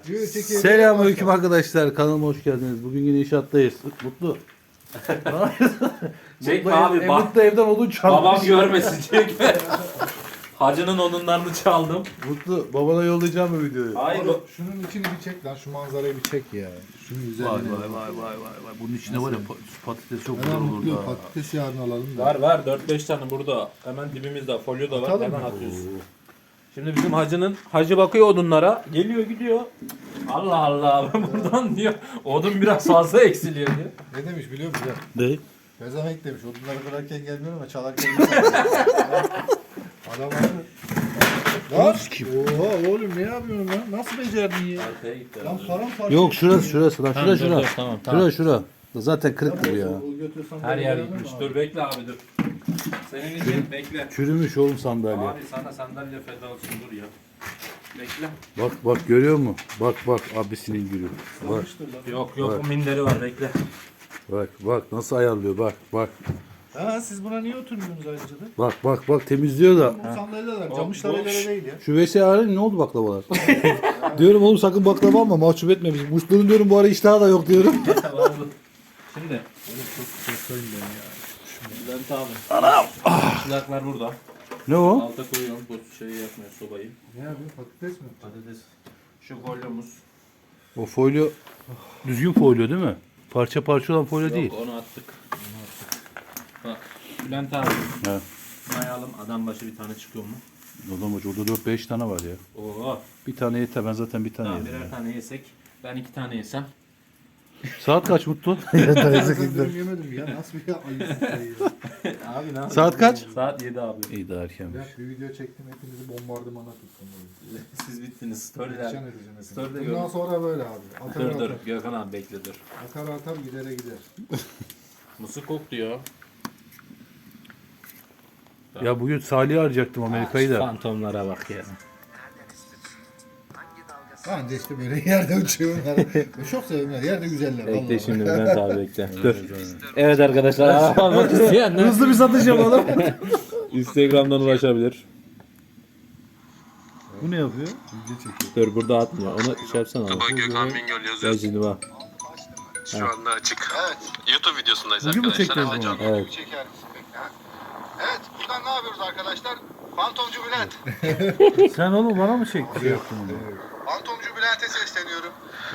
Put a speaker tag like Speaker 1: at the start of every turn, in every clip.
Speaker 1: Selamünaleyküm arkadaşlar. Kanalıma hoş geldiniz. Bugün yine inşaattayız. Mutlu.
Speaker 2: Çekme abi bak.
Speaker 1: Mutlu evden odun çalmış.
Speaker 2: Babam görmesin çekme. Hacının odunlarını çaldım.
Speaker 1: Mutlu babana yollayacağım bu videoyu.
Speaker 2: Hayır.
Speaker 3: Şunun içini bir çek lan, şu manzarayı bir çek ya. Şunun üzerine.
Speaker 1: Vay. Bunun içinde var ya patates çok güzel
Speaker 3: Hemen
Speaker 1: olur
Speaker 3: mutlu
Speaker 1: da.
Speaker 3: patates yarın alalım da.
Speaker 2: Var 4-5 tane burada. Hemen dibimizde folyo da var.
Speaker 3: Atalım
Speaker 2: Hemen
Speaker 3: mı?
Speaker 2: atıyoruz. Şimdi bizim hacı bakıyor odunlara. Geliyor gidiyor. Allah Allah ben buradan diyor. Odun biraz fazla eksiliyor diyor.
Speaker 3: Ne demiş biliyor musun?
Speaker 1: Ne?
Speaker 3: Pezevenk demiş. Odunları kırarken gelmiyor ama çalarken geliyor. Adam abi. Lan! Oha oğlum ne yapıyorsun lan? Nasıl becerdin ya?
Speaker 2: Arkaya gitti.
Speaker 3: Lan paramparça.
Speaker 1: Yok şurası lan. Şura.
Speaker 2: Tamam.
Speaker 1: Şura. Zaten kırıktır ya.
Speaker 2: Her yer gitmiş. Dur bekle abi dur. Senin için bekle.
Speaker 1: Çürümüş oğlum sandalye.
Speaker 2: Abi sana sandalye feda olsun dur ya. Bekle.
Speaker 1: Bak görüyor musun? Bak abisinin gülü. Bak
Speaker 2: Yok
Speaker 1: Bak.
Speaker 2: o minderi var bekle.
Speaker 1: bak nasıl ayarlıyor bak.
Speaker 3: Ha siz buna niye oturmuyorsunuz ayrıca da?
Speaker 1: Bak temizliyor da.
Speaker 3: Bu sandalyeler camışlara göre değil ya.
Speaker 1: Şu VSA'nın ne oldu baklavalar? Diyorum oğlum sakın baklava alma mahcup etme bizi. Muşlu'nun diyorum bu ara iştahı da yok diyorum.
Speaker 2: Şimdi.
Speaker 3: Oğlum çok korkayım ben ya.
Speaker 2: Bülent abi. Anam. Silahlar burada.
Speaker 1: Ne o?
Speaker 2: Alta koyuyorum bu şeyi yapmıyor sobayı.
Speaker 3: Ne yapıyor? Patates mi?
Speaker 2: Patates. Şu folyomuz.
Speaker 1: O folyo düzgün folyo değil mi? Parça olan folyo değil.
Speaker 2: Yok onu attık. Bak Bülent abi.
Speaker 1: He.
Speaker 2: Mayalım adam başı bir tane çıkıyor mu?
Speaker 1: Adam hoca orada 4-5 tane var ya.
Speaker 2: Oo.
Speaker 1: Bir tane yeter ben zaten bir tane
Speaker 2: Tamam
Speaker 1: yedim.
Speaker 2: birer tane yesek. Ben 2 tane yesem.
Speaker 1: Saat kaç Mutlu?
Speaker 3: Ben yemedim ya. Nasıl bir ayıp şey ya.
Speaker 2: Abi ne
Speaker 1: Saat kaç?
Speaker 2: Saat 7 abi.
Speaker 1: İyi daha erkenmiş.
Speaker 3: Ben bir video çektim, hepinizi bombardımana tuttum.
Speaker 2: Siz bittiniz. Storyler.
Speaker 3: Perişan edeceğim hepinizi.
Speaker 2: Story'de
Speaker 3: Bundan
Speaker 2: gör.
Speaker 3: sonra böyle abi. Atar
Speaker 2: Dur
Speaker 3: atar.
Speaker 2: Gökhan abi bekle dur.
Speaker 3: Atar gidere gider.
Speaker 2: Mısır kok diyor.
Speaker 1: Ya bugün Salih'i arayacaktım Amerika'yı da.
Speaker 2: Fantomlara bak ya.
Speaker 3: Ben de işte böyle yerde uçuyorum. Çok seviyorum. Yerde güzeller.
Speaker 2: Bekle
Speaker 3: vallahi.
Speaker 2: şimdi Bülent abi bekle. Dur. Evet arkadaşlar almak isteyenler
Speaker 1: Hızlı bir satış yapalım.
Speaker 2: Instagram'dan ulaşabilir.
Speaker 1: Bu ne yapıyor?
Speaker 3: Video çekiyor.
Speaker 2: Dur burada atmıyor. Onu şey yapsana abi.
Speaker 4: Bak Gökhan Bingöl
Speaker 2: Gel
Speaker 4: yazıyor.
Speaker 2: şimdi bak.
Speaker 4: Şu anda açık.
Speaker 3: Evet.
Speaker 4: YouTube videosundayız
Speaker 1: Bugün mü
Speaker 4: arkadaşlar.
Speaker 1: çektiniz
Speaker 4: Ama
Speaker 1: bunu?
Speaker 4: canlı.
Speaker 2: Evet.
Speaker 3: Çeker misin bekle ha? Evet. Buradan ne yapıyoruz arkadaşlar? Fantomcu Bülent.
Speaker 1: Sen oğlum bana mı yaptın onu?
Speaker 3: Fantomcu Bülent'e sesleniyorum.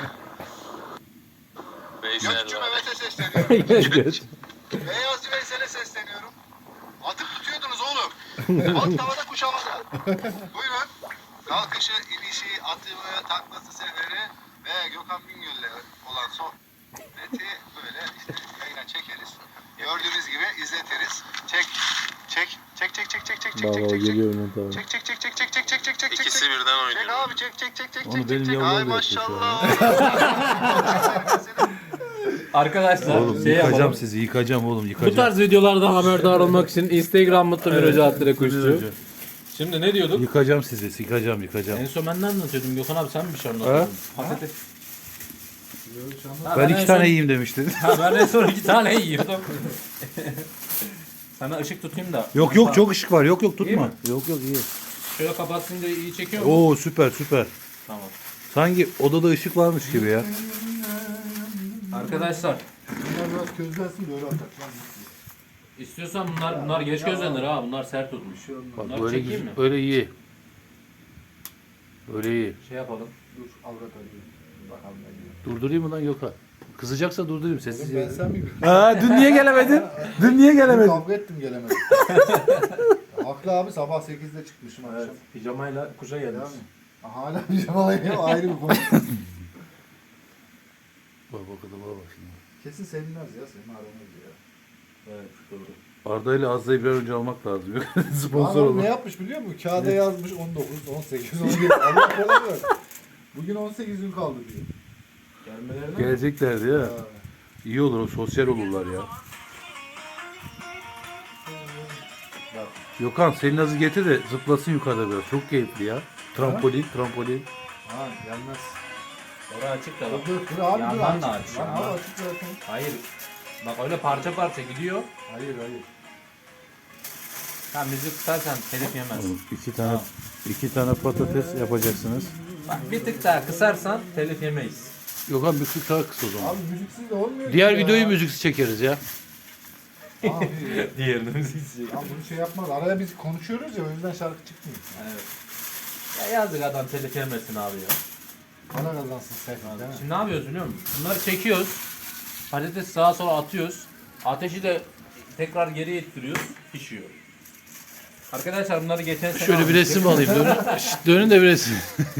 Speaker 4: Veysel
Speaker 3: Gökçü
Speaker 4: var.
Speaker 3: Mehmet'e sesleniyorum. Beyazcı Veysel'e sesleniyorum. Atıp tutuyordunuz oğlum. Alt tavada kuş havada. Buyurun. Kalkışı, inişi, atımı, taklası seferi ve Gökhan Bingöl'le olan sohbeti böyle işte yayına çekeriz. Gördüğünüz gibi izletiriz. Çek.
Speaker 2: Baba geliyor Bülent abi.
Speaker 3: Çek.
Speaker 4: İkisi birden
Speaker 3: Çek
Speaker 4: oynuyor.
Speaker 3: abi çek.
Speaker 1: Onu benim
Speaker 3: Ay
Speaker 1: yavrularım da
Speaker 3: maşallah.
Speaker 2: Arkadaşlar
Speaker 1: Oğlum
Speaker 2: şey
Speaker 1: yıkacağım
Speaker 2: yapalım.
Speaker 1: sizi yıkacağım oğlum
Speaker 2: Bu
Speaker 1: yıkacağım.
Speaker 2: tarz videolardan haberdar olmak için Instagram Mutlu Mirac Attire Kuşçu. Şimdi ne diyorduk?
Speaker 1: Yıkacağım sizi yıkacağım.
Speaker 2: En son ben ne anlatıyordum Gökhan abi sen mi bir şey anlatıyordun? Patates. Ha,
Speaker 1: Ben
Speaker 2: en
Speaker 1: 2 tane
Speaker 2: son-
Speaker 1: yiyeyim demiştin.
Speaker 2: Ha ben en son 2 tane yiyordum. Sana ışık tutayım da.
Speaker 1: Yok çok ışık var. Yok
Speaker 2: İyi
Speaker 1: tutma.
Speaker 2: mi?
Speaker 1: Yok iyi.
Speaker 2: Şöyle kapatsın diye iyi çekiyor mu?
Speaker 1: Oo süper.
Speaker 2: Tamam.
Speaker 1: Sanki odada ışık varmış gibi ya.
Speaker 2: Arkadaşlar
Speaker 3: Bunlar biraz közlensin böyle atak lan.
Speaker 2: istiyorsan bunlar geç gözlenir ha. Bunlar sert tutmuş.
Speaker 1: Bak
Speaker 2: Bunları
Speaker 1: böyle
Speaker 2: çekeyim mi?
Speaker 1: böyle iyi. Böyle iyi.
Speaker 2: Şey yapalım.
Speaker 3: Dur avrat arıyorum. Bakalım ne diyor.
Speaker 1: Durdurayım mı lan Gökhan? Kızacaksa durdurayım sessiz.
Speaker 3: Ben sen miyim?
Speaker 1: Ha dün niye gelemedin? Dün niye gelemedin?
Speaker 3: Kavga ettim gelemedim. Haklı abi sabah 8'de çıkmışım
Speaker 2: Evet.
Speaker 3: akşam.
Speaker 2: Pijamayla kuşa gelmiş.
Speaker 3: Yani. Hala pijamalayım ayrı bir konu.
Speaker 1: Bak bak şimdi.
Speaker 3: Kesin sevinmez ya senin aranız ya.
Speaker 2: Evet doğru.
Speaker 1: Arda ile Azda'yı bir an önce almak lazım. Sponsor
Speaker 3: Adam
Speaker 1: olmak.
Speaker 3: ne yapmış biliyor musun? Kağıda yazmış 19, 18, 17. Allah kola ver. Bugün 18 gün kaldı diyor.
Speaker 2: Gelmelerine
Speaker 1: Geleceklerdi ya.
Speaker 3: Ha.
Speaker 1: İyi olur o sosyal olurlar ya.
Speaker 2: Bak.
Speaker 1: Gökhan senin azı getir de zıplasın yukarıda biraz. Çok keyifli ya. Trampolin.
Speaker 3: Ha gelmez.
Speaker 2: Orası açık da bak.
Speaker 3: Dur abi dur.
Speaker 2: Yandan da
Speaker 3: açık.
Speaker 2: aç,
Speaker 3: Lan
Speaker 2: yandan.
Speaker 3: abi açık zaten.
Speaker 2: Hayır. Bak öyle parça parça gidiyor.
Speaker 3: Hayır.
Speaker 2: Sen müzik tutarsan telif yemez.
Speaker 1: İki tane patates yapacaksınız.
Speaker 2: Bak bir tık daha kısarsan telif yemeyiz.
Speaker 1: Yok abi müzik daha kısa o zaman.
Speaker 5: Abi müziksiz de olmuyor
Speaker 1: Diğer
Speaker 5: ki ya.
Speaker 1: videoyu müziksiz çekeriz ya.
Speaker 5: Abi
Speaker 2: Diğerini müziksiz.
Speaker 5: ya bunu şey yapmaz. Araya biz konuşuyoruz ya o yüzden şarkı çıkmıyor.
Speaker 2: Evet. Ya yazık adam telif yemesin abi ya.
Speaker 5: Para kazansın sen değil mi?
Speaker 2: Şimdi ne yapıyoruz biliyor musun? Bunları çekiyoruz. Patates sağa sola atıyoruz. Ateşi de tekrar geri ittiriyoruz. Pişiyor. Arkadaşlar bunları geçen sene
Speaker 1: Şöyle bir
Speaker 2: almıştık.
Speaker 1: resim alayım. Dönün, dönün de bir resim.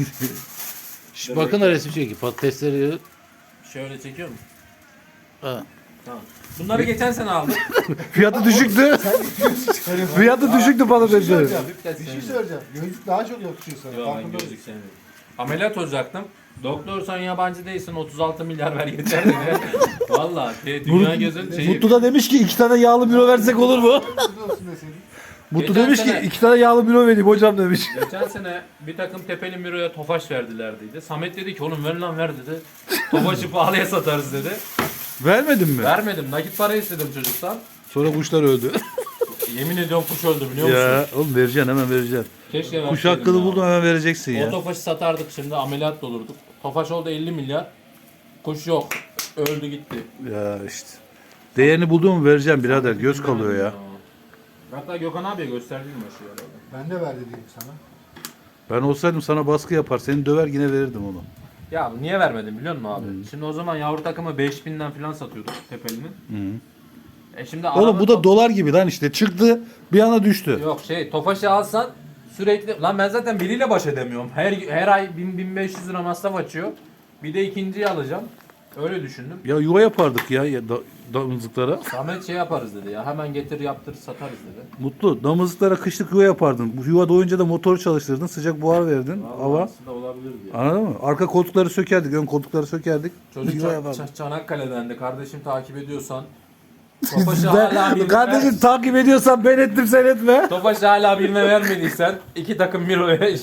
Speaker 1: Bakın da resim çekin. Patatesleri.
Speaker 2: Şöyle çekiyor mu?
Speaker 1: Ha.
Speaker 2: Tamam. Bunları geçen sene aldık.
Speaker 1: Fiyatı düşüktü. Fiyatı düşüktü
Speaker 5: Bir şey
Speaker 1: patateslerin.
Speaker 5: söyleyeceğim. Bir şey söyleyeceğim. Gözlük daha çok yakışıyor sana.
Speaker 2: Yok ben
Speaker 5: Farkında
Speaker 2: gözlük
Speaker 5: mısın?
Speaker 2: sevmiyorum. Ameliyat olacaktım. Doktor sen yabancı değilsin 36 milyar ver yeter dedi. Valla dünya gözün şeyi.
Speaker 1: Mutlu da demiş ki 2 tane yağlı büro versek olur mu?
Speaker 5: Gözlük olsun deseydin.
Speaker 1: Mutlu
Speaker 2: Geçen
Speaker 1: demiş
Speaker 2: sene-
Speaker 1: ki 2 tane yağlı büro vereyim hocam demiş.
Speaker 2: Geçen sene bir takım tepeli miroya tofaş verdiler dedi. Samet dedi ki oğlum ver lan ver dedi. Tofaşı pahalıya satarız dedi.
Speaker 1: Vermedin mi?
Speaker 2: Vermedim. Nakit para istedim çocuktan.
Speaker 1: Sonra kuşlar öldü.
Speaker 2: Yemin ediyorum kuş öldü biliyor musun?
Speaker 1: ya oğlum vereceksin hemen vereceksin.
Speaker 2: Keşke
Speaker 1: Kuş
Speaker 2: verseydim
Speaker 1: hakkını
Speaker 2: ya.
Speaker 1: buldun hemen vereceksin
Speaker 2: O
Speaker 1: ya.
Speaker 2: tofaşı satardık şimdi ameliyat da olurduk. Tofaş oldu 50 milyar. Kuş yok. Öldü gitti.
Speaker 1: Ya işte. Değerini buldun mu vereceğim birader. Göz kalıyor ya.
Speaker 2: Hatta Gökhan abiye gösterdim mi şu arada?
Speaker 5: Ben de ver dediğim sana.
Speaker 1: Ben olsaydım sana baskı yapar. Seni döver yine verirdim onu.
Speaker 2: Ya niye vermedim biliyor musun abi? Şimdi o zaman yavru takımı 5000'den falan satıyorduk tepelinin. Şimdi
Speaker 1: Oğlum bu da dolar gibi lan işte. Çıktı bir anda düştü.
Speaker 2: Yok Tofaş'ı alsan sürekli lan ben zaten biriyle baş edemiyorum. Her ay 1000-1500 lira masraf açıyor. Bir de ikinciyi alacağım. Öyle düşündüm.
Speaker 1: Ya yuva yapardık ya damızlıklara.
Speaker 2: Samet yaparız dedi ya. Hemen getir yaptır satarız dedi.
Speaker 1: Mutlu. Damızlıklara kışlık yuva yapardın. Bu yuva doyunca da motoru çalıştırdın. Sıcak buhar verdin.
Speaker 2: Vallahi
Speaker 1: Hava.
Speaker 2: aslında olabilir diye.
Speaker 1: Anladın mı? Arka koltukları sökerdik. Ön koltukları sökerdik.
Speaker 2: Çocuk
Speaker 1: Yuva yapardık.
Speaker 2: Çanakkale'den de kardeşim takip ediyorsan Tofaş'ı hala bilme
Speaker 1: Kardeşim takip ediyorsan ben ettim sen etme.
Speaker 2: Tofaş'ı hala bilme vermediysen 2 takım Miro'ya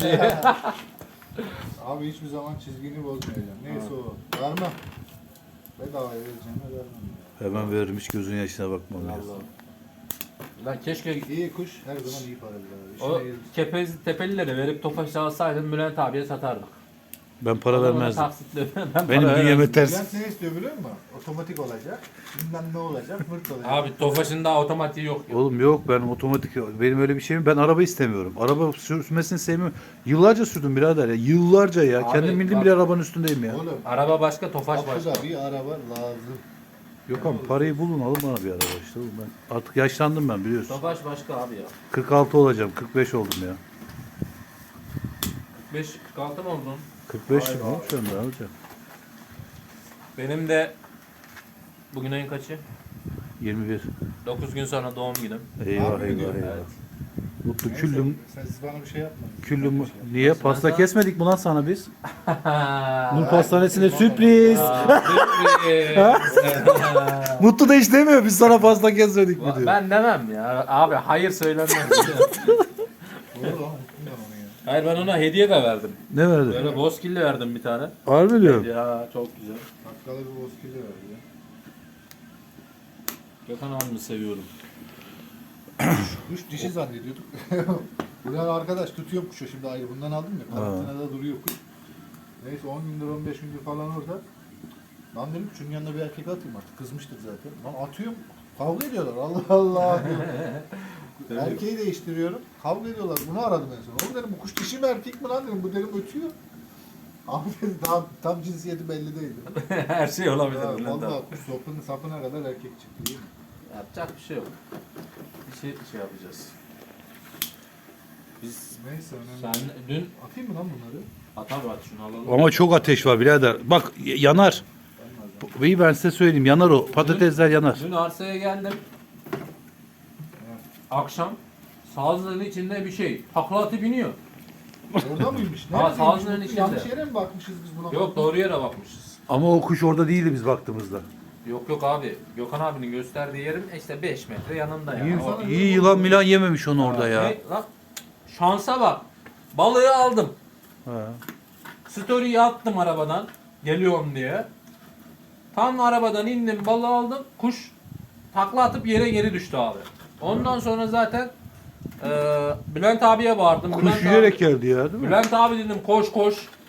Speaker 5: Abi hiçbir zaman çizgini bozmayacağım. Neyse o. Vermem. Bedavaya vereceğim vermem.
Speaker 1: Hemen veririm hiç gözünün yaşına bakmam ya.
Speaker 2: Lan keşke
Speaker 5: İyi kuş her zaman iyi para bilir abi.
Speaker 2: o
Speaker 5: İşine gelir.
Speaker 2: kepez tepelileri verip Tofaş'ı alsaydın Bülent abiye satardık.
Speaker 1: Ben para
Speaker 2: Ama ona
Speaker 1: vermezdim.
Speaker 2: taksitle ben
Speaker 1: Benim
Speaker 2: para
Speaker 1: bünyeme
Speaker 2: vermezdim.
Speaker 1: ters.
Speaker 5: Bülent ne istiyor biliyor musun? Otomatik olacak. Bilmem ne olacak. Mırt olacak.
Speaker 2: Abi Tofaş'ın daha otomatiği yok.
Speaker 1: Oğlum yok ben otomatik benim öyle bir şeyim ben araba istemiyorum. Araba sürmesini sevmiyorum. Yıllarca sürdüm birader ya. Yıllarca ya.
Speaker 2: Abi,
Speaker 1: Kendim bildiğim
Speaker 2: bak-
Speaker 1: bile arabanın üstündeyim ya.
Speaker 5: Oğlum.
Speaker 2: Araba başka, Tofaş başka.
Speaker 5: Kapıda bir araba lazım.
Speaker 1: Yok ama parayı bulun alın bana bir araba işte. Oğlum ben artık yaşlandım ben biliyorsun.
Speaker 2: Tofaş başka abi ya.
Speaker 1: 46 olacağım. 45 oldum ya.
Speaker 2: 45-46 mı oldun?
Speaker 1: 45
Speaker 2: Vay
Speaker 1: mi
Speaker 2: be
Speaker 1: oğlum şu anda ne olacak?
Speaker 2: Benim de bugün ayın kaçı?
Speaker 1: 21.
Speaker 2: 9 gün sonra doğum günüm.
Speaker 1: Eyvah
Speaker 5: Abi
Speaker 1: eyvah
Speaker 5: diyor,
Speaker 1: eyvah.
Speaker 2: Evet.
Speaker 1: Mutlu
Speaker 5: Neyse,
Speaker 1: küllüm
Speaker 5: siz bana bir şey yapmadınız.
Speaker 1: küllüm
Speaker 5: Bir şey yapmadınız.
Speaker 1: niye
Speaker 2: Nasıl
Speaker 1: pasta
Speaker 2: ben
Speaker 1: kesmedik mi lan sana biz? Nur pastanesine sürpriz. Mutlu da hiç demiyor biz sana pasta kesmedik mi diyor.
Speaker 2: Ben demem ya. Abi hayır söylenmez.
Speaker 5: Doğru lan unuttum ben onu ya.
Speaker 2: Hayır ben ona hediye de verdim.
Speaker 1: Ne verdi?
Speaker 2: Böyle bozkilli verdim bir tane.
Speaker 1: Harbi diyorum.
Speaker 2: Ya çok güzel.
Speaker 5: Bakkala bir bozkili verdi ya.
Speaker 2: Gökhan abimi seviyorum.
Speaker 5: Kuş dişi zannediyorduk. Buradan arkadaş tutuyor kuşu şimdi ayrı. Bundan aldım ya. Karantinada duruyor kuş. Neyse 10 gündür 15 gündür falan orada. Lan dedim şunun yanına bir erkek atayım artık. Kızmıştık zaten. Lan atıyorum. Kavga ediyorlar. Allah Allah diyorum. Erkeği değiştiriyorum. Kavga ediyorlar. Bunu aradım en son. Oğlum dedim bu kuş dişi mi erkek mi lan dedim. Bu dedim ötüyor. Abi dedi tam cinsiyeti belli değil. Dedim.
Speaker 2: Her şey olabilir.
Speaker 5: Ya,
Speaker 2: Bülent abi.
Speaker 5: vallahi kuş sapına kadar erkek çıktı değil mi?
Speaker 2: Yapacak bir şey yok. Bir şey yapacağız. Biz
Speaker 5: Neyse önemli.
Speaker 2: sen
Speaker 5: değil.
Speaker 2: dün
Speaker 5: Atayım mı lan bunları?
Speaker 2: at abi at şunu alalım.
Speaker 1: Ama çok ateş var birader. Bak yanar. İyi ben size söyleyeyim yanar o. Patatesler yanar.
Speaker 2: Dün arsaya geldim. Akşam sazlığın içinde bir şey. Takla atıp iniyor.
Speaker 5: Orada mıymış?
Speaker 2: Ha,
Speaker 5: Neredeymiş?
Speaker 2: sağlığın
Speaker 5: Bu
Speaker 2: içinde.
Speaker 5: Yanlış yere mi bakmışız biz buna?
Speaker 2: Yok doğru yere bakmışız.
Speaker 1: Ama o kuş orada değildi biz baktığımızda.
Speaker 2: Yok abi. Gökhan abinin gösterdiği yerin işte 5 metre yanında ya.
Speaker 1: İyi,
Speaker 2: O-
Speaker 1: iyi yılan milan yememiş onu orada ya.
Speaker 2: Ne lan? Şansa bak. Balığı aldım.
Speaker 1: Ha.
Speaker 2: Story'yi attım arabadan. Geliyorum diye. Tam arabadan indim balığı aldım. Kuş takla atıp yere geri düştü abi. Ondan sonra zaten Bülent abiye bağırdım.
Speaker 1: Kuş
Speaker 2: Bülent
Speaker 1: yürüyerek
Speaker 2: abi,
Speaker 1: geldi ya değil mi?
Speaker 2: Bülent abi dedim koş koş.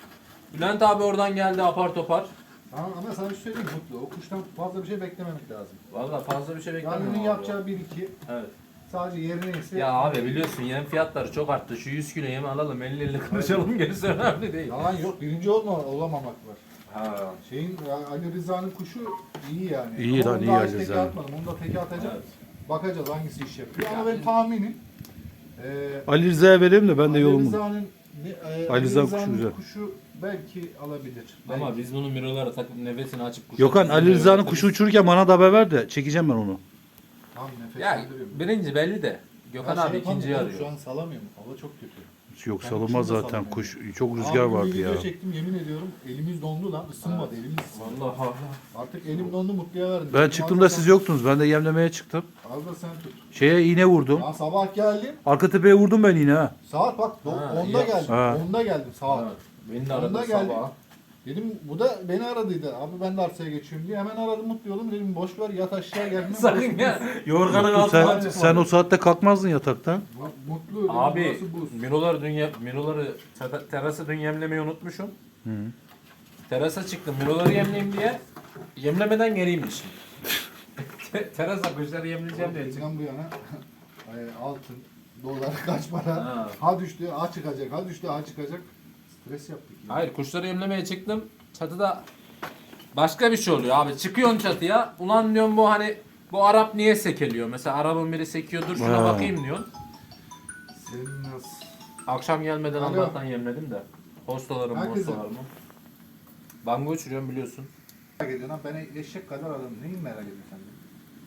Speaker 2: Bülent abi oradan geldi apar topar.
Speaker 5: Ama sana bir şey söyleyeyim Mutlu. O kuştan fazla bir şey beklememek lazım.
Speaker 2: Valla fazla bir şey beklemiyorum.
Speaker 5: Yani onun
Speaker 2: abi.
Speaker 5: yapacağı 1-2
Speaker 2: Evet.
Speaker 5: sadece yerine ise...
Speaker 2: Ya abi biliyorsun yem fiyatları çok arttı. Şu 100 kilo yemi alalım 50-50 konuşalım gerisi önemli değil.
Speaker 5: Yalan yok. Birinci olamamak var.
Speaker 2: Ha.
Speaker 5: Ali Rıza'nın kuşu iyi yani.
Speaker 1: İyi
Speaker 5: Ama
Speaker 1: lan,
Speaker 5: onu
Speaker 1: iyi
Speaker 5: daha
Speaker 1: Ali
Speaker 5: hiç teke
Speaker 1: Rıza'nın.
Speaker 5: atmadım. Onu da teke atacağım.
Speaker 2: Evet.
Speaker 5: Bakacağız hangisi iş yapıyor. Ama benim tahminim
Speaker 1: Ali Rıza'ya vereyim de ben de
Speaker 5: Ali
Speaker 1: yolumu.
Speaker 5: Rıza'nın
Speaker 1: Ali Rıza kuşu
Speaker 5: Rıza'nın
Speaker 1: güzel.
Speaker 5: kuşu belki alabilir.
Speaker 2: Ama
Speaker 5: Belki.
Speaker 2: biz bunun miroları takıp nefesini açıp kuş
Speaker 1: Gökhan Ali Rıza'nın kuşu uçururken bana da haber ver de çekeceğim ben onu.
Speaker 5: Tam nefes
Speaker 2: Ya
Speaker 5: aldırıyorum.
Speaker 2: birinci belli de. Gökhan
Speaker 5: Ya
Speaker 2: abi
Speaker 5: şey
Speaker 2: ikinciyi
Speaker 5: yapamıyorum,
Speaker 2: arıyor.
Speaker 5: Şu an salamıyorum. Hava çok kötü.
Speaker 1: Yok
Speaker 5: Ben
Speaker 1: salınmaz
Speaker 5: kuşunu da
Speaker 1: zaten
Speaker 5: salamıyorum.
Speaker 1: kuş. Çok rüzgar
Speaker 5: Abi
Speaker 1: vardı
Speaker 5: bir video
Speaker 1: ya.
Speaker 5: çektim yemin ediyorum. Elimiz dondu lan. Isınmadı elimiz.
Speaker 2: Vallahi Allah.
Speaker 5: Artık elim dondu Mutlu'ya verdim.
Speaker 1: Ben çıktığımda siz yoktunuz. Ben de yemlemeye çıktım.
Speaker 5: Al da sen tut.
Speaker 1: Şeye iğne vurdum.
Speaker 5: Ya sabah geldim.
Speaker 1: Arka tepeye vurdum ben iğne ha.
Speaker 5: Saat bak
Speaker 2: Ha,
Speaker 5: 10'da
Speaker 2: iyi
Speaker 5: geldim.
Speaker 2: yapmışsın.
Speaker 1: Ha.
Speaker 5: 10'da geldim saat.
Speaker 2: Evet. Beni de
Speaker 5: Onda
Speaker 2: aradı
Speaker 5: geldi.
Speaker 2: sabah.
Speaker 5: Dedim bu da beni aradıydı. Abi ben de arsaya geçiyorum diye. Hemen aradım Mutlu oğlum. Dedim boş ver yat aşağı gelme.
Speaker 2: Sakın ya. Yorganın
Speaker 1: Mutlu,
Speaker 2: altından
Speaker 1: sen,
Speaker 2: çıkma.
Speaker 1: sen o saatte kalkmazdın yataktan.
Speaker 5: Mutlu dedim,
Speaker 2: Abi
Speaker 5: burası buz.
Speaker 2: miroları terası dün yemlemeyi unutmuşum. Terasa çıktım miroları yemleyeyim diye. Yemlemeden geleyimmişim. Terasa kuşları yemleyeceğim diye çıktım.
Speaker 5: Bizden bu yana altın, dolar kaç para?
Speaker 2: Ha.
Speaker 5: Ha düştü, ha çıkacak, ha düştü, ha çıkacak. Stres yaptık. Ya.
Speaker 2: Hayır kuşları yemlemeye çıktım. Çatıda başka bir şey oluyor abi. Çıkıyorsun çatıya. Ulan diyorum bu hani bu Arap niye sekeliyor? Mesela Arap'ın biri sekiyor dur şuna
Speaker 1: Ha.
Speaker 2: bakayım diyorsun.
Speaker 5: Senin nasıl?
Speaker 2: Akşam gelmeden
Speaker 5: Alo.
Speaker 2: Allah'tan yemledim de. Postalarım
Speaker 5: Herkese.
Speaker 2: postalarımı. Bango uçuruyorum biliyorsun.
Speaker 5: Merak ediyorsun lan ben eşek kadar adamım. Neyi merak ediyorsun sen benim?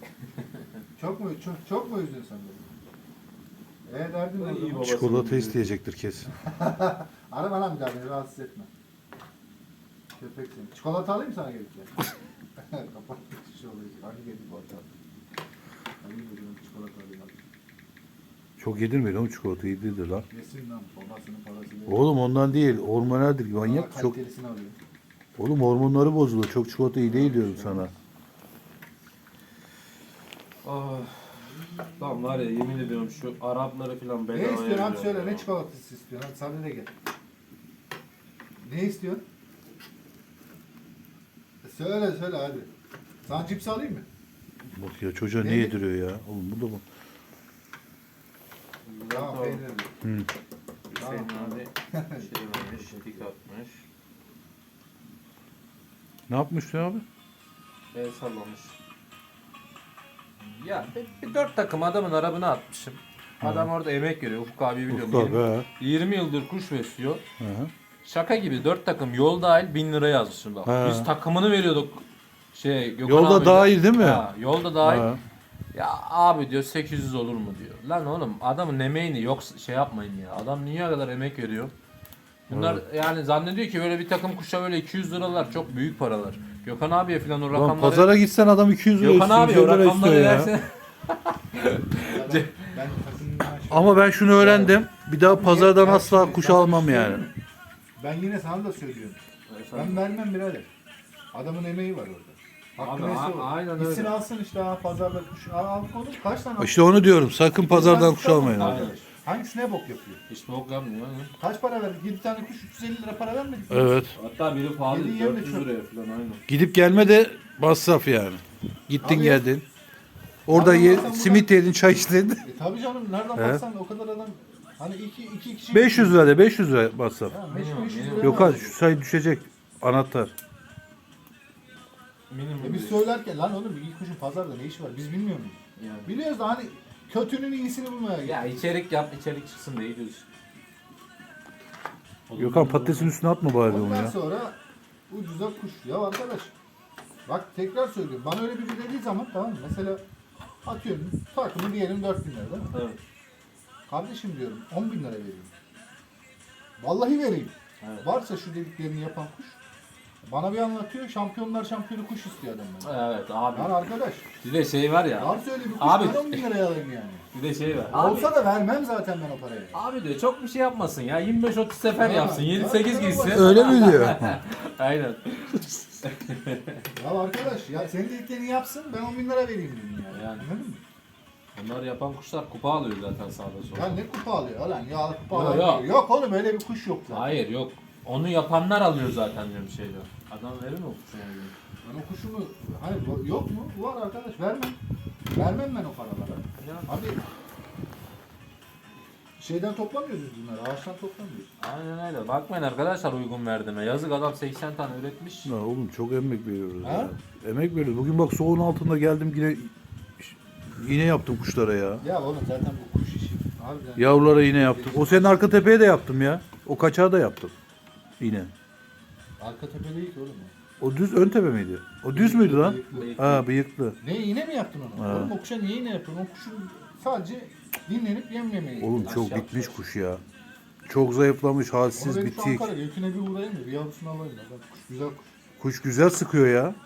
Speaker 5: çok mu üzdün sen beni? Derdin ne?
Speaker 2: İyi
Speaker 5: o
Speaker 2: baba.
Speaker 5: zaman?
Speaker 1: Çikolata isteyecektir kesin.
Speaker 5: Arama lan bir daha beni rahatsız etme. Köpek seni. Çikolata alayım sana gelirken. Kapattık şu olayı. Hangi geldi bu arada? Alayım dedim çikolata alayım.
Speaker 1: Çok yedirmeyin oğlum çikolata yedirdir lan.
Speaker 5: Yesin lan babasının parasıyla.
Speaker 1: Oğlum ondan değil. Hormonaldir manyak.
Speaker 5: Daha
Speaker 1: Çok.
Speaker 5: kalitelisini alayım.
Speaker 1: Oğlum hormonları bozulur. Çok çikolata iyi değil diyorum sana.
Speaker 2: Ah. Tamam var ya yemin ediyorum şu Arapları falan bedavaya
Speaker 5: Ne istiyorsun abi
Speaker 2: veriyor
Speaker 5: söyle
Speaker 2: ya.
Speaker 5: ne çikolatası istiyorsun hadi sen de gel. Ne istiyorsun? Söyle hadi. Sana cips alayım mı?
Speaker 1: Bak ya çocuğa ne
Speaker 5: Ne?
Speaker 1: yediriyor ya? Oğlum bu da mı?
Speaker 5: Tamam
Speaker 2: Tamam.
Speaker 5: peynirli.
Speaker 2: Hüseyin abi şey vermiş, dik atmış.
Speaker 1: Ne yapmış ya abi?
Speaker 2: El sallamış. Ya bir 4 takım adamın arabına atmışım. Adam orada emek veriyor. Ufuk abi biliyorum.
Speaker 1: Ufuk abi,
Speaker 2: 20,
Speaker 1: ha.
Speaker 2: 20 yıldır kuş besliyor.
Speaker 1: Hı hı.
Speaker 2: Şaka gibi 4 takım yol dahil 1000 lira yazmışım bak.
Speaker 1: Ha.
Speaker 2: Biz takımını veriyorduk. Gökhan
Speaker 1: Yolda
Speaker 2: abiyle.
Speaker 1: dahil değil mi?
Speaker 2: Ha, yolda dahil.
Speaker 1: Ha.
Speaker 2: Ya abi diyor 800 olur mu diyor. Lan oğlum adamın emeğini yok şey yapmayın ya. Adam dünya kadar emek veriyor. Bunlar yani zannediyor ki böyle bir takım kuşa böyle 200 liralar çok büyük paralar. Gökhan abiye falan o
Speaker 1: Lan
Speaker 2: rakamları...
Speaker 1: pazara gitsen adam 200 lira
Speaker 2: Gökhan
Speaker 1: istiyor,
Speaker 2: abi
Speaker 1: 100
Speaker 2: o
Speaker 1: lira
Speaker 2: rakamları
Speaker 1: istiyor ya.
Speaker 2: versen...
Speaker 5: Ben takımdan
Speaker 1: Ama ben şunu öğrendim. Bir daha pazardan asla kuş almam yani.
Speaker 5: Ben yine sana da söylüyorum. Ben vermem birader. Adamın emeği var orada. Hakkı
Speaker 2: Abi,
Speaker 5: neyse o.
Speaker 2: aynen
Speaker 5: Gitsin
Speaker 2: öyle.
Speaker 5: alsın işte ha pazarda kuş. Al konuş kaç tane
Speaker 1: İşte onu diyorum. Sakın pazardan kuş almayın.
Speaker 2: Aynen.
Speaker 5: Arkadaş. Hangisi ne bok yapıyor?
Speaker 2: Hiç bok yapmıyor. Yani.
Speaker 5: Kaç para verdik? 7 tane kuş 350 lira para vermedik mi?
Speaker 1: Evet.
Speaker 2: Hatta biri pahalı
Speaker 5: Yedi yem de
Speaker 2: 400
Speaker 5: çok.
Speaker 2: liraya falan aynen.
Speaker 1: Gidip gelme de masraf yani. Gittin
Speaker 5: Abi-
Speaker 1: geldin. Orada
Speaker 5: Abi sen
Speaker 1: simit yedin, çay içtin.
Speaker 5: Tabii canım nereden
Speaker 1: He.
Speaker 5: baksan o kadar adam hani iki kişi
Speaker 1: 500 lira de 500 lira masraf.
Speaker 5: Ha,
Speaker 2: Minimum,
Speaker 5: 500
Speaker 2: minimum.
Speaker 5: lira
Speaker 1: Yok abi
Speaker 5: var.
Speaker 1: şu sayı düşecek. Anahtar.
Speaker 2: Minimum.
Speaker 5: Biz söylerken lan oğlum ilk kuşun pazarda ne işi var biz bilmiyor muyuz?
Speaker 2: Yani.
Speaker 5: Biliyoruz da hani kötünün iyisini bulmaya gidiyor.
Speaker 2: Ya içerik yap, içerik çıksın diye gidiyoruz.
Speaker 1: Gökhan patatesin üstüne atma bari onu
Speaker 5: Ondan
Speaker 1: ya.
Speaker 5: sonra ucuza kuş. Ya arkadaş bak tekrar söylüyorum. Bana öyle biri dediği zaman tamam mı? Mesela atıyorum takımı diyelim 4000 lira değil mi?
Speaker 2: Evet.
Speaker 5: Kardeşim diyorum 10 bin lira vereyim. Vallahi vereyim.
Speaker 2: Evet.
Speaker 5: Varsa şu dediklerini yapan kuş bana bir anlatıyor şampiyonlar şampiyonu kuş istiyor adam benden.
Speaker 2: Evet abi.
Speaker 5: Yani arkadaş
Speaker 2: Bir de şey var ya.
Speaker 5: varsa öyle bir kuş
Speaker 2: Abi-
Speaker 5: ben 10 bin liraya alayım yani.
Speaker 2: Bir de şey var. Abi,
Speaker 5: Olsa da vermem zaten ben o parayı.
Speaker 2: abi diyor çok bir şey yapmasın ya. 25-30 sefer
Speaker 5: Ha,
Speaker 2: yapsın.
Speaker 5: ya,
Speaker 2: 7-8
Speaker 5: ya,
Speaker 2: gitsin.
Speaker 1: Öyle mi diyor?
Speaker 2: Aynen.
Speaker 5: Ya arkadaş ya senin dediklerini yapsın ben 10 bin lira vereyim dedim yani.
Speaker 2: Yani.
Speaker 5: Anladın mı?
Speaker 2: Bunları yapan kuşlar kupa alıyor zaten sağda solda.
Speaker 5: Ya ne kupa alıyor lan ya kupa
Speaker 2: Yok,
Speaker 5: alıyor.
Speaker 2: yok.
Speaker 5: Yok oğlum öyle bir kuş yok zaten.
Speaker 2: Hayır yok. Onu yapanlar alıyor zaten diyorum şeyde. Adam verir mi o kuşuna?
Speaker 5: Ben o kuşumu, hayır yok mu? Var arkadaş, vermem. Vermem ben o paralara.
Speaker 2: Ya.
Speaker 5: Abi şeyden toplamıyoruz biz bunları, ağaçtan toplamıyoruz.
Speaker 2: Aynen öyle. Bakmayın arkadaşlar uygun verdiğime. Yazık adam 80 tane üretmiş.
Speaker 1: Ya oğlum çok emek veriyoruz.
Speaker 5: Ha?
Speaker 1: Ya. Emek veriyoruz. Bugün bak soğuğun altında geldim yine yaptım kuşlara ya.
Speaker 5: Ya oğlum zaten bu kuş işi. Harbiden.
Speaker 1: Yavrulara yine yaptım. O senin arka tepeye de yaptım ya. O kaçağı da yaptım. Yine.
Speaker 5: Arka tepe değil ki oğlum o.
Speaker 1: O düz ön tepe miydi? O düz müydü lan?
Speaker 5: Bıyıklı.
Speaker 1: Ha bıyıklı.
Speaker 5: Ne iğne mi yaptın onu?
Speaker 1: Ha.
Speaker 5: Oğlum o kuşa niye iğne yapıyorsun? O kuşun sadece dinlenip yem yemeyi.
Speaker 1: Oğlum çok
Speaker 2: Aşağı
Speaker 1: bitmiş kuş ya. Çok zayıflamış,
Speaker 5: Onu
Speaker 1: halsiz,
Speaker 5: benim şu
Speaker 1: bitik.
Speaker 5: Ankara göküne bir uğrayayım da bir yavrusunu alayım da. Bak, kuş güzel kuş.
Speaker 1: Kuş güzel sıkıyor ya.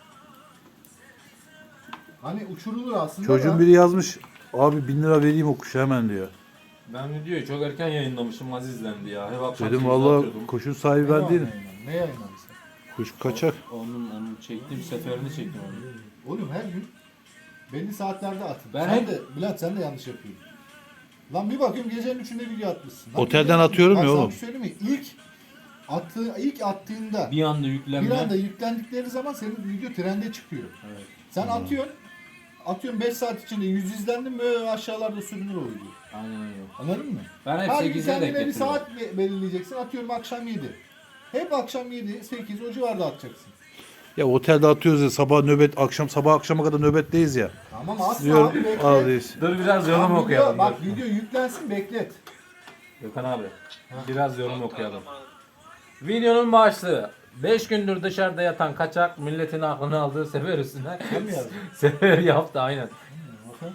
Speaker 5: Hani uçurulur aslında
Speaker 1: Çocuğun
Speaker 5: da.
Speaker 1: biri yazmış. Abi 1000 lira vereyim o kuşa hemen diyor.
Speaker 2: Ben videoyu çok erken yayınlamışım, az izlendi ya. Hep akşam
Speaker 1: Dedim
Speaker 2: 8'de
Speaker 1: valla
Speaker 2: atıyordum.
Speaker 1: kuşun sahibi
Speaker 5: Ne
Speaker 1: ben
Speaker 5: var
Speaker 1: değilim.
Speaker 5: yayınladın? Ne yayınladın sen?
Speaker 1: Kuş kaçak.
Speaker 2: Onun çektiğim seferini çektim onu.
Speaker 5: Oğlum her gün belli saatlerde atın.
Speaker 2: Ben
Speaker 5: sen
Speaker 2: hep-
Speaker 5: de Bülent sen de yanlış yapıyorsun. Lan bir bakıyorum gecenin 3'ünde video atmışsın. Lan
Speaker 1: Otelden
Speaker 5: gecenin-
Speaker 1: atıyorum
Speaker 5: Bak
Speaker 1: ya
Speaker 5: sana
Speaker 1: oğlum.
Speaker 5: bir şey söyleyeyim mi? İlk attığında
Speaker 2: Bir anda
Speaker 5: bir
Speaker 2: yüklenme.
Speaker 5: anda yüklendikleri zaman senin video trende çıkıyor.
Speaker 2: Evet.
Speaker 5: Sen atıyorum 5 saat içinde 100 izlendin mi aşağılarda sürünür o video.
Speaker 2: Aynen öyle.
Speaker 5: Anladın mı?
Speaker 2: Ben hep
Speaker 5: Her gün
Speaker 2: 8'e denk
Speaker 5: kendine bir
Speaker 2: getiriyorum.
Speaker 5: saat belirleyeceksin. Atıyorum akşam 7. Hep akşam 7, 8 o civarda atacaksın.
Speaker 1: Ya otelde atıyoruz ya sabah nöbet, sabah akşama kadar nöbetteyiz ya.
Speaker 5: Tamam asla
Speaker 1: Diyorum
Speaker 5: abi beklet.
Speaker 1: ağlayız.
Speaker 2: Dur biraz yorum
Speaker 5: Tamam,
Speaker 2: okuyalım.
Speaker 5: Bak
Speaker 2: dur.
Speaker 5: video yüklensin beklet.
Speaker 2: Gökhan abi. Biraz yorum okuyalım. Videonun başlığı. 5 gündür dışarıda yatan kaçak milletin aklını aldığı sefer üstüne
Speaker 5: Sen mi yazdın?
Speaker 2: sefer yaptı aynen.
Speaker 5: Bakın.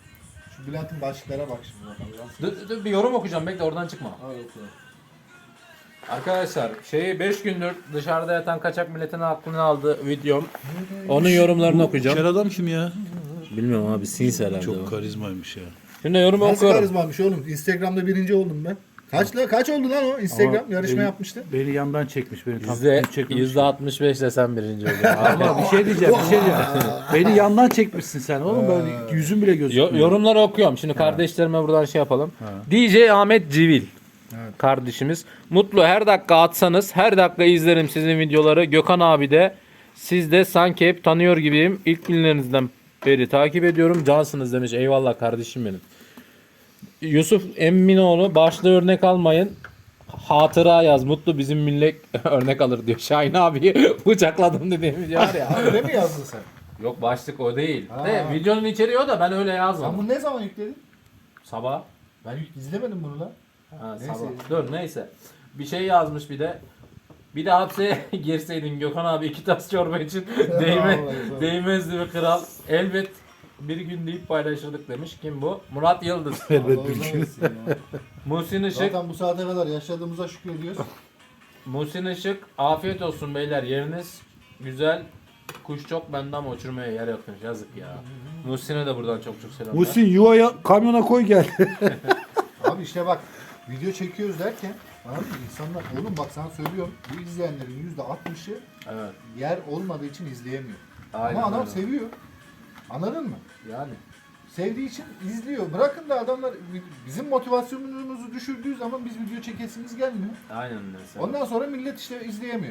Speaker 5: Şu Bülent'in başlıklara bak şimdi bakalım.
Speaker 2: Dur, bir yorum okuyacağım bekle oradan çıkma.
Speaker 5: Al oku.
Speaker 2: Arkadaşlar 5 gündür dışarıda yatan kaçak milletin aklını aldığı videom. Onun yorumlarını okuyacağım.
Speaker 1: İçeri adam kim ya?
Speaker 2: Bilmiyorum abi sinsi herhalde.
Speaker 1: Çok karizmaymış ya.
Speaker 2: Şimdi yorum
Speaker 5: Nasıl
Speaker 2: okuyorum.
Speaker 5: karizmaymış oğlum? Instagram'da birinci oldum ben. Kaç oldu lan o? Instagram
Speaker 1: Ama
Speaker 5: yarışma
Speaker 1: beni-
Speaker 5: yapmıştı.
Speaker 1: Beni yandan çekmiş. Beni takip çekmemiş.
Speaker 2: %65 de sen birinci oluyorsun.
Speaker 1: Ama bir şey diyeceğim. Beni yandan çekmişsin sen oğlum. Ben yüzüm bile gözükmüyor.
Speaker 2: Yorumları okuyorum. Şimdi kardeşlerime buradan şey yapalım. DJ Ahmet Civil. Kardeşimiz. Mutlu her dakika atsanız her dakika izlerim sizin videoları. Gökhan abi de siz de sanki hep tanıyor gibiyim. İlk günlerinizden beri takip ediyorum. Cansınız demiş. Eyvallah kardeşim benim. Yusuf Emminoğlu başta örnek almayın. Hatıra yaz. Mutlu bizim millet örnek alır diyor. Şahin abi bıçakladım dediğim video var ya.
Speaker 5: Öyle mi yazdın sen?
Speaker 2: Yok başlık o değil.
Speaker 5: Ha.
Speaker 2: De, videonun içeriği o da ben öyle
Speaker 5: Sen
Speaker 2: yazmadım.
Speaker 5: bunu ne zaman yükledin?
Speaker 2: Sabah.
Speaker 5: Ben izlemedim bunu lan.
Speaker 2: Ha,
Speaker 5: Neyse.
Speaker 2: sabah. Dur neyse. Bir şey yazmış bir de. Bir de hapse girseydin Gökhan abi 2 tas çorba için
Speaker 5: Vallahi.
Speaker 2: değmezdi be kral. Elbet bir gün deyip paylaşırdık demiş. Kim bu? Murat Yıldız.
Speaker 1: Elbet
Speaker 5: Allah
Speaker 1: bir
Speaker 5: uzun
Speaker 1: gün.
Speaker 5: etsin ya.
Speaker 2: Muhsin Işık.
Speaker 5: Zaten bu saate kadar yaşadığımıza şükrediyoruz.
Speaker 2: Muhsin Işık. Afiyet olsun beyler yeriniz güzel. Kuş çok bende ama uçurmaya yer yokmuş. Yazık ya. Muhsin'e de buradan çok selamlar.
Speaker 1: Muhsin yuvaya kamyona koy gel.
Speaker 5: Abi işte bak video çekiyoruz derken anladın mı? İnsanlar oğlum bak sana söylüyorum bu izleyenlerin %60'ı
Speaker 2: Evet.
Speaker 5: yer olmadığı için izleyemiyor.
Speaker 2: Aynen
Speaker 5: Ama adam
Speaker 2: öyle.
Speaker 5: seviyor. Anladın mı?
Speaker 2: Yani.
Speaker 5: Sevdiği için izliyor. Bırakın da adamlar bizim motivasyonumuzu düşürdüğü zaman biz video çekesimiz gelmiyor.
Speaker 2: Aynen mesela.
Speaker 5: Ondan sonra millet işte izleyemiyor.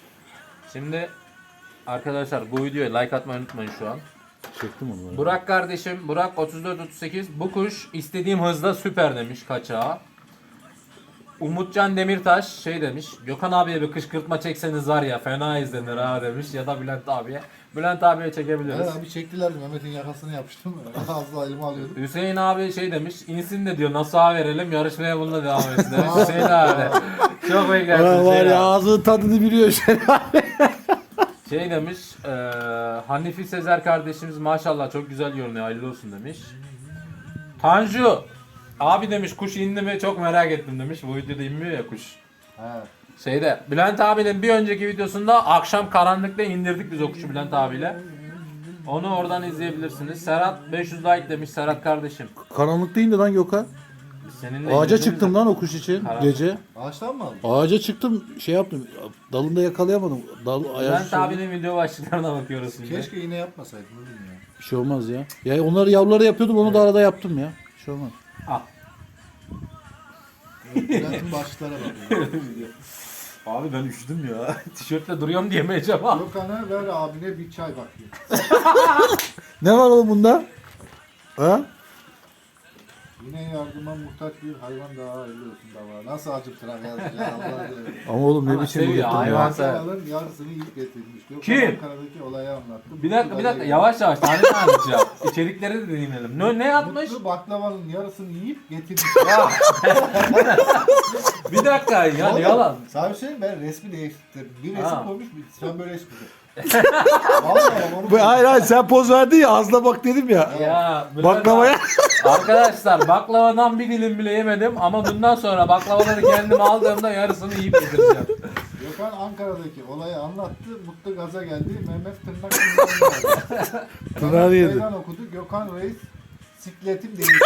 Speaker 2: Şimdi arkadaşlar bu videoya like atmayı unutmayın şu an.
Speaker 1: Çektim onu.
Speaker 2: Burak kardeşim, Burak 3438 bu kuş istediğim hızda süper demiş kaçağa. Umutcan Demirtaş şey demiş. Gökhan abiye bir kışkırtma çekseniz var ya fena izlenir ha demiş ya da Bülent abiye. Bülent abiye çekebiliriz.
Speaker 5: Evet abi çektiler Mehmet'in yakasını yapıştım. Ağzına elime alıyordum.
Speaker 2: Hüseyin abi şey demiş. İnsin de diyor nasıl verelim yarışmaya bununla devam etsin demiş. Hüseyin abi. Çok beklersin
Speaker 1: Var
Speaker 2: Hüseyin
Speaker 1: ya
Speaker 2: abi.
Speaker 1: ağzının tadını biliyor şey.
Speaker 2: Şey demiş, Hanifi Sezer kardeşimiz maşallah çok güzel görünüyor, hayırlı olsun demiş. Tanju, abi demiş kuş indi mi çok merak ettim demiş. Bu videoda inmiyor ya kuş.
Speaker 5: He.
Speaker 2: Şeyde, Bülent abinin bir önceki videosunda akşam karanlıkta indirdik biz o kuşu Bülent abiyle. Onu oradan izleyebilirsiniz. Serhat 500 like demiş Serhat kardeşim.
Speaker 1: Karanlık değil de lan Gökhan.
Speaker 2: Seninle
Speaker 1: Ağaca
Speaker 2: indirdiğimiz
Speaker 1: çıktım
Speaker 2: de-
Speaker 1: lan o kuş için
Speaker 2: Karanlık.
Speaker 1: gece.
Speaker 5: Ağaçtan mı aldın?
Speaker 1: Ağaca çıktım şey yaptım. Dalında yakalayamadım.
Speaker 2: Bülent abinin video başlıklarına bakıyoruz şimdi.
Speaker 5: Keşke iğne yapmasaydın oğlum ya.
Speaker 1: Bir şey olmaz ya. Ya onları yavruları yapıyordum onu da arada yaptım ya. Bir şey olmaz.
Speaker 2: Ah.
Speaker 5: Bülent'in başlıklara bakıyor.
Speaker 2: Abi ben üşüdüm ya. Tişörtle duruyorum diyemeyeceğim ha.
Speaker 5: Gökhan'a ver abine bir çay bakayım.
Speaker 1: Ne var oğlum bunda? Ha?
Speaker 5: Yine yardıma muhtaç bir hayvan daha hayırlı olsun da var. Nasıl acıktır abi ya Allah'ım.
Speaker 1: Ama oğlum ne
Speaker 2: Ama
Speaker 1: biçim
Speaker 2: seviyor,
Speaker 1: uyuttun
Speaker 2: hayvan
Speaker 1: ya.
Speaker 2: sever.
Speaker 5: Hayvanın yarısını yiyip getirmiş. Gökhan
Speaker 2: Kim?
Speaker 5: Ankara'daki olayı anlattım.
Speaker 2: Bir dakika yavaş yavaş tane anlatacağım. İçerikleri de dinleyelim. Ne yapmış?
Speaker 5: Mutlu baklavanın yarısını yiyip getirmiş.
Speaker 2: Ya. Bir dakika ya ne yalan.
Speaker 5: Sana bir şey söyleyeyim mi? Ben resmi değiştirdim. Bir resim
Speaker 2: Ha.
Speaker 5: koymuş, sen böyle resim koyacaksın. Vallahi onu
Speaker 1: Hayır sen poz verdin ya ağzına bak dedim ya.
Speaker 2: Ya
Speaker 1: Baklavaya.
Speaker 2: Arkadaşlar baklavadan bir dilim bile yemedim ama bundan sonra baklavaları kendim aldığımda yarısını yiyip bitireceğim.
Speaker 5: Gökhan Ankara'daki olayı anlattı. Mutlu gaza geldi. Mehmet tırnak
Speaker 1: Tırnağı yedi.
Speaker 5: Meydan okudu. Gökhan Reis sikletim değişti.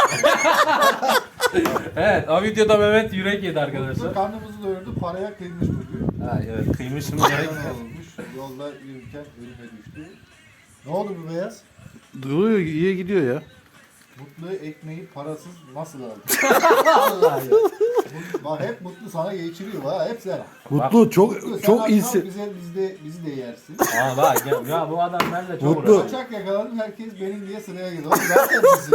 Speaker 2: Evet o videoda Mehmet yürek yedi
Speaker 5: Mutlu
Speaker 2: arkadaşlar.
Speaker 5: karnımızı doyurdu. Paraya kıymış bugün.
Speaker 2: Ha, evet kıymışım yürek.
Speaker 5: Hayvan olmuş. Yolda yürürken ölüme düştü. Ne oldu bu beyaz?
Speaker 1: Duruyor iyi gidiyor ya.
Speaker 5: Mutlu ekmeği parasız nasıl aldı?
Speaker 2: Vallahi ya.
Speaker 5: Bak hep Mutlu sana geçiriyor ha. Hep sen.
Speaker 1: Mutlu çok
Speaker 5: Mutlu, sen
Speaker 1: çok
Speaker 5: akşam
Speaker 1: iyisin.
Speaker 5: bizi de yersin.
Speaker 2: Aa bak ya bu adam benimle çok
Speaker 1: Mutlu.
Speaker 2: uğraşıyor.
Speaker 5: Kaçak yakaladım herkes benim diye sıraya girdi. Oğlum zaten bizim.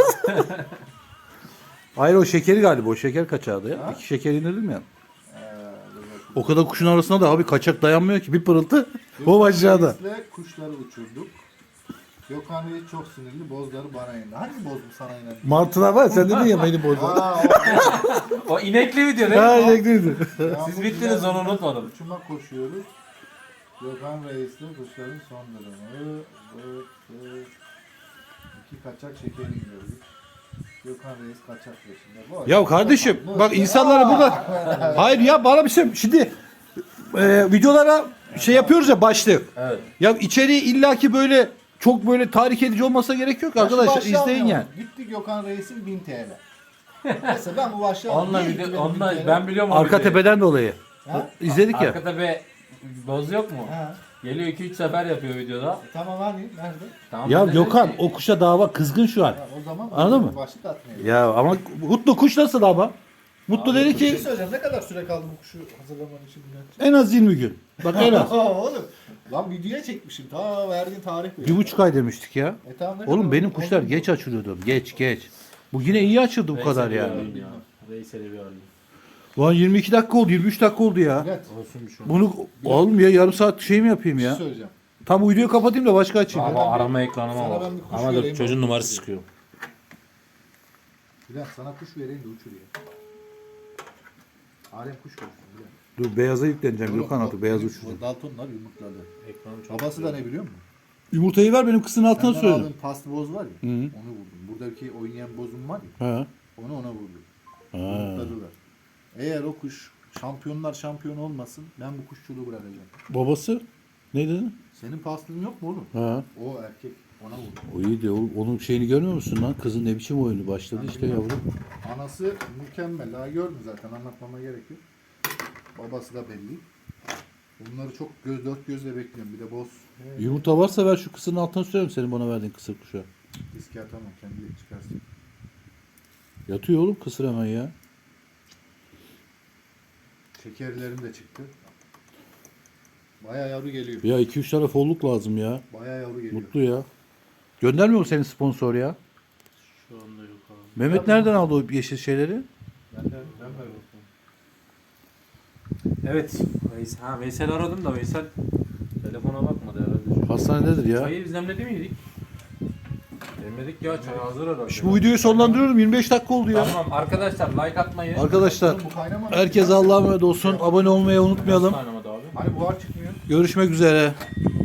Speaker 1: Hayır o şekeri galiba o şeker kaçağıydı ya.
Speaker 5: Ha?
Speaker 1: 2 şeker indirdim ya. O kadar kuşun arasına da abi kaçak dayanmıyor ki bir pırıltı o aşağıda.
Speaker 5: Reis'le kuşları uçurduk. Gökhan Reis çok sinirli. Bozları bana indi. Hangi boz bu sana indi?
Speaker 1: Martılar var sen dedin ya beni bozdu.
Speaker 5: Aa,
Speaker 2: O inekli video değil
Speaker 1: Ha
Speaker 2: mi?
Speaker 1: inekliydi.
Speaker 2: Siz bittiniz onu unutmadım.
Speaker 5: Uçuma koşuyoruz. Gökhan Reis'le kuşların son durumu. İki kaçak şeker indiriyoruz. Gökhan Reis kaçak peşinde. Bu
Speaker 1: Ya kardeşim bak insanlara burada hayır ya bana bir şey şimdi videolara şey yapıyoruz ya başlık.
Speaker 2: Evet.
Speaker 1: Ya içeriği illaki böyle çok böyle tahrik edici olmasa gerek yok arkadaşlar
Speaker 5: Başı
Speaker 1: izleyin
Speaker 5: almayalım.
Speaker 1: yani.
Speaker 5: Gitti Gökhan Reis'in 1000 TL. Mesela ben bu başı
Speaker 2: Onunla
Speaker 5: Niye
Speaker 2: video,
Speaker 5: gitti
Speaker 2: onunla
Speaker 5: benim 1000 TL?
Speaker 2: ben biliyorum o
Speaker 1: Arka
Speaker 2: videoyu.
Speaker 1: tepeden dolayı.
Speaker 5: Ha?
Speaker 1: İzledik ya.
Speaker 2: Arka tepe boz yok mu?
Speaker 5: Ha.
Speaker 2: Geliyor 2-3 sefer yapıyor videoda.
Speaker 5: Tamam hani nerede?
Speaker 2: Tamam,
Speaker 1: Ya
Speaker 2: ben de dedim
Speaker 1: Gökhan
Speaker 2: ki,
Speaker 1: o kuşa dava kızgın şu an.
Speaker 5: Ha, o zaman
Speaker 1: Anladın mı?
Speaker 5: başı atmayalım.
Speaker 1: Ya ama Mutlu kuş nasıl ama? Mutlu
Speaker 5: Abi,
Speaker 1: dedi
Speaker 5: bir şey
Speaker 1: ki
Speaker 5: söyleyeceğim. Ne kadar süre kaldı bu kuşu hazırlaman için?
Speaker 1: en az 20 gün. Bak en az.
Speaker 5: Oğlum. Lan videoya çekmişim. Ta verdiğin tarih veriyor.
Speaker 1: 1,5 ay demiştik ya.
Speaker 5: Tamam, ne
Speaker 1: Oğlum
Speaker 5: kadar
Speaker 1: benim
Speaker 5: oldu?
Speaker 1: kuşlar
Speaker 5: Oldu mu?
Speaker 1: geç açılıyordu. Geç. Bu yine iyi açıldı bu kadar
Speaker 2: Veysel'i
Speaker 1: yani.
Speaker 2: bir arayayım ya. Veysel'i bir arayayım.
Speaker 1: Ulan 22 dakika oldu, 23 dakika oldu ya.
Speaker 5: Evet.
Speaker 2: Olsun şu.
Speaker 1: Bunu oğlum ya yarım saat şey mi yapayım
Speaker 5: Bir şey
Speaker 1: ya?
Speaker 5: söyleyeceğim.
Speaker 1: Tam uyduyu kapatayım da başka açayım.
Speaker 2: Ama arama ekranıma
Speaker 5: Sana
Speaker 2: bak.
Speaker 5: ben bir kuş
Speaker 2: Ama dur
Speaker 5: vereyim,
Speaker 2: çocuğun
Speaker 5: bak.
Speaker 2: numarası çıkıyor.
Speaker 5: Bülent sana kuş vereyim de uçur ya. Alem kuş konuşsun Bülent.
Speaker 1: Dur beyaza yükleneceğim
Speaker 5: Oğlum,
Speaker 1: Gökhan
Speaker 5: bak,
Speaker 1: artık beyaz
Speaker 5: bu
Speaker 1: uçuracağım.
Speaker 5: Daltonlar yumurtladı.
Speaker 2: Ekranım çok
Speaker 5: Babası da ne biliyor musun?
Speaker 1: Yumurtayı ver benim kızın altına
Speaker 5: Benden
Speaker 1: söyledim.
Speaker 5: aldığım past boz var ya.
Speaker 1: Hı.
Speaker 5: Onu vurdum. Buradaki oynayan bozum var ya.
Speaker 1: Ha.
Speaker 5: Onu ona vurdum.
Speaker 1: Ha.
Speaker 5: Yumurtladılar. Eğer o kuş şampiyonlar şampiyon olmasın ben bu kuşçuluğu bırakacağım.
Speaker 1: Babası ne dedi?
Speaker 5: Senin pastın yok mu oğlum?
Speaker 1: Ha.
Speaker 5: O erkek ona vurdu.
Speaker 1: O iyi de onun şeyini görmüyor musun lan? Kızın ne biçim oyunu başladı işte yavrum.
Speaker 5: Anası mükemmel. Daha gördün zaten anlatmama gerek yok. Babası da belli. Bunları çok dört gözle bekliyorum. Bir de boz.
Speaker 1: Yumurta varsa ver şu kısırın altına söyleyeyim senin bana verdiğin kısır kuşa.
Speaker 5: Riske atamam. Kendi çıkarsın.
Speaker 1: Yatıyor oğlum kısır hemen ya.
Speaker 5: Şekerlerim de çıktı. Baya yavru geliyor.
Speaker 1: Ya 2-3 tane folluk lazım ya.
Speaker 5: Baya yavru geliyor.
Speaker 1: Mutlu ya. Göndermiyor mu senin sponsor ya?
Speaker 2: Şu anda yok abi.
Speaker 1: Mehmet nereden aldı o yeşil şeyleri?
Speaker 5: Ben veriyorum.
Speaker 2: Evet. Veysel aradım da Veysel telefona bakmadı herhalde.
Speaker 1: Hastanededir ya.
Speaker 2: Çayı biz demledi miydik? Demledik ya çay hazır herhalde.
Speaker 1: Şimdi bu videoyu sonlandırıyorum. 25 dakika oldu ya.
Speaker 2: Tamam arkadaşlar like atmayı.
Speaker 1: Arkadaşlar
Speaker 5: Oğlum bu kaynamadı.
Speaker 1: herkes Allah'a emanet olsun. Abone olmayı unutmayalım.
Speaker 2: Kaynamadı abi.
Speaker 5: Hani buhar çıkmıyor.
Speaker 1: Görüşmek üzere.